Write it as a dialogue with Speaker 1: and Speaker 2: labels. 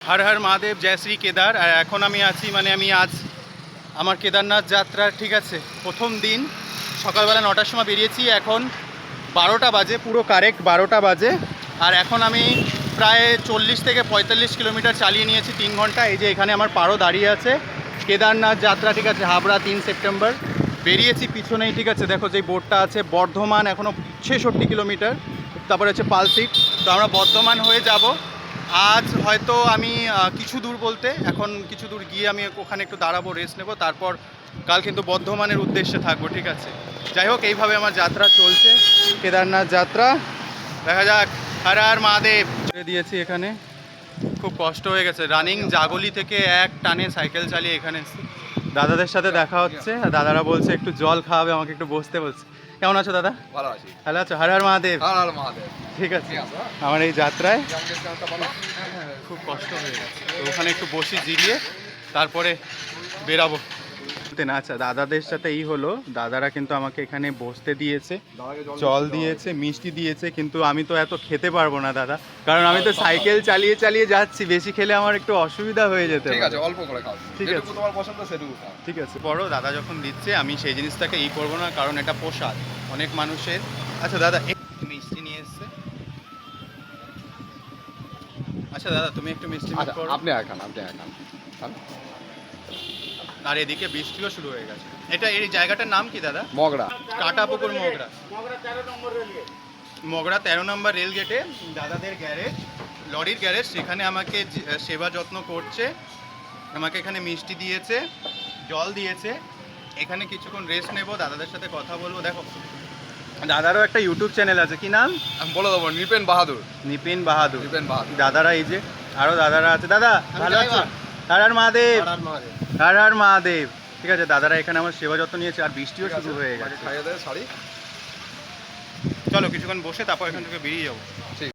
Speaker 1: হর হর মহাদেব, জয় শ্রী কেদার। আর এখন আমি আছি আমি আজ আমার কেদারনাথ যাত্রার, ঠিক আছে, প্রথম দিন। সকালবেলা 9টার সময় বেরিয়েছি, এখন 12টা বাজে, পুরো কারেক্ট 12টা বাজে। আর এখন আমি প্রায় 40 থেকে 45 কিলোমিটার চালিয়ে নিয়েছি 3 ঘন্টা। এই যে এখানে আমার পারো দাঁড়িয়ে আছে, কেদারনাথ যাত্রা, ঠিক আছে, হাবড়া 3 সেপ্টেম্বর বেরিয়েছি। পিছনেই, ঠিক আছে, দেখো যে বোর্ডটা আছে, বর্ধমান এখনও 66 কিলোমিটার, তারপরে হচ্ছে পালসিট। তো আমরা বর্ধমান হয়ে যাব। আজ হয়তো আমি কিছু দূর বলতে এখন কিছু দূর গিয়ে আমি ওখানে একটু দাঁড়াবো, রেস্ট নেব, তারপর কাল কিন্তু বর্ধমানের উদ্দেশ্যে থাকবো, ঠিক আছে। যাই হোক, এইভাবে আমার যাত্রা চলছে, কেদারনাথ যাত্রা। দেখা যাক। হর হর মহাদেব। ছেড়ে দিয়েছি এখানে, খুব কষ্ট হয়ে গেছে। রানিং জাগলি থেকে এক টানে সাইকেল চালিয়ে এখানে এসেছি। দাদাদের সাথে দেখা হচ্ছে, আর দাদারা বলছে একটু জল খাওয়াবে, আমাকে একটু বসতে বলছে। কেমন আছো দাদা?
Speaker 2: ভালো আছি।
Speaker 1: ভালো আছো? হর হর মহাদেব।
Speaker 2: হর হর মহাদেব।
Speaker 1: ঠিক আছে। আমার এই যাত্রায় খুব কষ্ট হয়ে গেছে, তো ওখানে একটু বসি, জিরিয়ে তারপরে বেরাবো না। আচ্ছা, দাদাদের সাথে এই হলো, দাদারা কিন্তু আমাকে এখানে বসতে দিয়েছে, জল দিয়েছে, মিষ্টি দিয়েছে, কিন্তু আমি তো এত খেতে পারবো না দাদা, কারণ আমি তো সাইকেল চালিয়ে চালিয়ে যাচ্ছি, বেশি খেলে আমার একটু অসুবিধা হয়ে যেতে
Speaker 2: ঠিক
Speaker 1: পারে।
Speaker 2: আছে, অল্প করে খাও।
Speaker 1: ঠিক আছে,
Speaker 2: যেটুকু তোমার পছন্দ সেটুকু খাও।
Speaker 1: ঠিক আছে। বড় দাদা যখন দিচ্ছে আমি সেই জিনিসটাকে করবো না, কারণ এটা প্রসাদ অনেক মানুষের। আচ্ছা দাদা, একটু মিষ্টি নিয়ে এসছে। আচ্ছা দাদা, তুমি একটু মিষ্টি মুখ করো।
Speaker 2: আপনি খান।
Speaker 1: আর এদিকে বৃষ্টিও শুরু হয়ে গেছে। এই জায়গাটার নাম কি দাদা?
Speaker 2: মগরা।
Speaker 1: কাটাপুকুর মগরা। মগরা 13 নম্বর রেল গেটে দাদাদের গ্যারেজ, লরির গ্যারেজ। সেখানে আমাকে সেবা যত্ন করছে, আমাকে এখানে মিষ্টি দিয়েছে, জল দিয়েছে। এখানে কিছুক্ষণ রেস্ট নেব, দাদাদের সাথে কথা বলবো। দেখো, দাদারও একটা ইউটিউব চ্যানেল আছে, কি নাম?
Speaker 2: আমি বলে দেবো, নিপেন বাহাদুর।
Speaker 1: নিপিন বাহাদুর।
Speaker 2: নিপেন বাহাদুর।
Speaker 1: দাদারা, এই যে আরো দাদারা আছে। দাদা ভালো আছো? হর হর মহাদেব। হর হর মহাদেব। ঠিক আছে, দাদারা এখানে আমার সেবা যত্ন নিয়েছে, আর বৃষ্টিও শুরু হয়ে গেছে।
Speaker 2: খাইয়ে দেয় শাড়ি।
Speaker 1: চলো কিছুক্ষণ বসে তারপর এখান থেকে বেরিয়ে যাবো।
Speaker 2: ঠিক।